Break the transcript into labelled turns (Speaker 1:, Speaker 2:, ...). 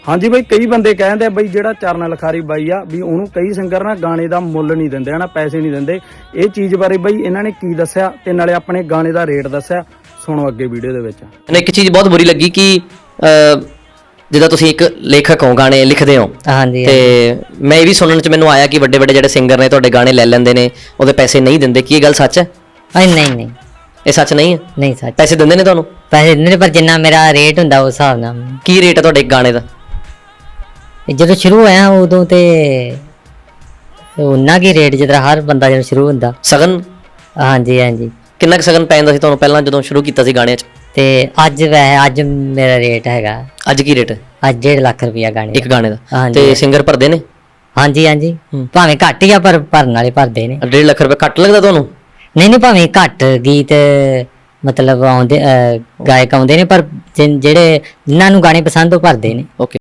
Speaker 1: ਹਾਂਜੀ ਬਾਈ, ਕਈ ਬੰਦੇ ਕਹਿੰਦੇ ਬਈ ਜਿਹੜਾ ਚਰਨ ਲਖਾਰੀ ਬਾਈ ਆ ਵੀ ਉਹਨੂੰ ਕਈ ਸਿੰਗਰ ਨਾ ਗਾਣੇ ਦਾ ਮੁੱਲ ਨਹੀਂ ਦਿੰਦੇ ਹਨਾ, ਪੈਸੇ ਨਹੀਂ ਦਿੰਦੇ। ਇਹ ਚੀਜ਼ ਬਾਰੇ ਬਾਈ ਇਹਨਾਂ ਨੇ ਕੀ ਦੱਸਿਆ ਤੇ ਨਾਲੇ ਆਪਣੇ ਗਾਣੇ ਦਾ ਰੇਟ ਦੱਸਿਆ, ਸੁਣੋ ਅੱਗੇ ਵੀਡੀਓ ਦੇ ਵਿੱਚ।
Speaker 2: ਮੈਨੂੰ ਇੱਕ ਚੀਜ਼ ਬਹੁਤ ਬੁਰੀ ਲੱਗੀ ਕਿ ਜਿੱਦਾਂ ਤੁਸੀਂ ਇੱਕ ਲੇਖਕ ਹੋ, ਗਾਣੇ ਲਿਖਦੇ ਹੋ,
Speaker 3: ਹਾਂਜੀ
Speaker 2: ਤੇ ਮੈਂ ਇਹ ਵੀ ਸੁਣਨ ਚ ਮੈਨੂੰ ਆਇਆ ਕਿ ਵੱਡੇ ਵੱਡੇ ਜਿਹੜੇ ਸਿੰਗਰ ਨੇ ਤੁਹਾਡੇ ਗਾਣੇ ਲੈ ਲੈਂਦੇ ਨੇ, ਉਹਦੇ ਪੈਸੇ ਨਹੀਂ ਦਿੰਦੇ। ਕੀ ਇਹ ਗੱਲ ਸੱਚ ਹੈ?
Speaker 3: ਨਹੀਂ
Speaker 2: ਇਹ ਸੱਚ ਨਹੀਂ ਹੈ?
Speaker 3: ਨਹੀਂ ਸੱਚ,
Speaker 2: ਪੈਸੇ ਦਿੰਦੇ ਨੇ ਤੁਹਾਨੂੰ?
Speaker 3: ਪੈਸੇ ਦਿੰਦੇ ਨੇ ਪਰ ਜਿੰਨਾ ਮੇਰਾ ਰੇਟ ਹੁੰਦਾ ਉਸ ਹਿਸਾਬ ਨਾਲ।
Speaker 2: ਕੀ ਰੇਟ ਹੈ ਤੁਹਾਡੇ ਇੱਕ ਗਾਣੇ ਦਾ?
Speaker 3: ਜਦੋਂ ਸ਼ੁਰੂ ਹੋਇਆ ਉਦੋਂ ਤੇ ਉਹਨਾਂ ਕੀ ਰੇਟ ਜਿੱਦਾਂ ਹਰ ਬੰਦਾ ਜਦੋਂ ਸ਼ੁਰੂ ਹੁੰਦਾ।
Speaker 2: ਸਗਨ?
Speaker 3: ਹਾਂਜੀ
Speaker 2: ਕਿੰਨਾ ਕੁ ਸਗਨ ਪੈ ਜਾਂਦਾ ਸੀ ਤੁਹਾਨੂੰ ਪਹਿਲਾਂ ਜਦੋਂ ਸ਼ੁਰੂ ਕੀਤਾ ਸੀ ਗਾਣਿਆਂ 'ਚ?
Speaker 3: ਤੇ ਅੱਜ ਵੈਸੇ ਅੱਜ ਮੇਰਾ ਰੇਟ ਹੈਗਾ,
Speaker 2: ਅੱਜ ਕੀ ਰੇਟ ਹੈ?
Speaker 3: ਅੱਜ 1.5 ਲੱਖ ਰੁਪਇਆ ਗਾਣੇ
Speaker 2: ਇੱਕ ਗਾਣੇ ਦਾ?
Speaker 3: ਹਾਂਜੀ।
Speaker 2: ਤੇ ਸਿੰਗਰ ਭਰਦੇ ਨੇ?
Speaker 3: ਹਾਂਜੀ ਭਾਵੇਂ ਘੱਟ ਹੀ ਆ ਪਰ ਭਰਨ ਵਾਲੇ ਭਰਦੇ ਨੇ।
Speaker 2: 1.5 ਲੱਖ ਰੁਪਏ ਘੱਟ ਲੱਗਦਾ ਤੁਹਾਨੂੰ?
Speaker 3: ਨਹੀਂ ਭਾਵੇਂ ਘੱਟ ਗੀਤ ਮਤਲਬ ਆਉਂਦੇ ਗਾਇਕ ਆਉਂਦੇ ਨੇ, ਪਰ ਜਿਹੜੇ ਜਿਨ੍ਹਾਂ ਨੂੰ ਗਾਣੇ ਪਸੰਦ ਉਹ ਭਰਦੇ ਨੇ।
Speaker 2: ਓਕੇ।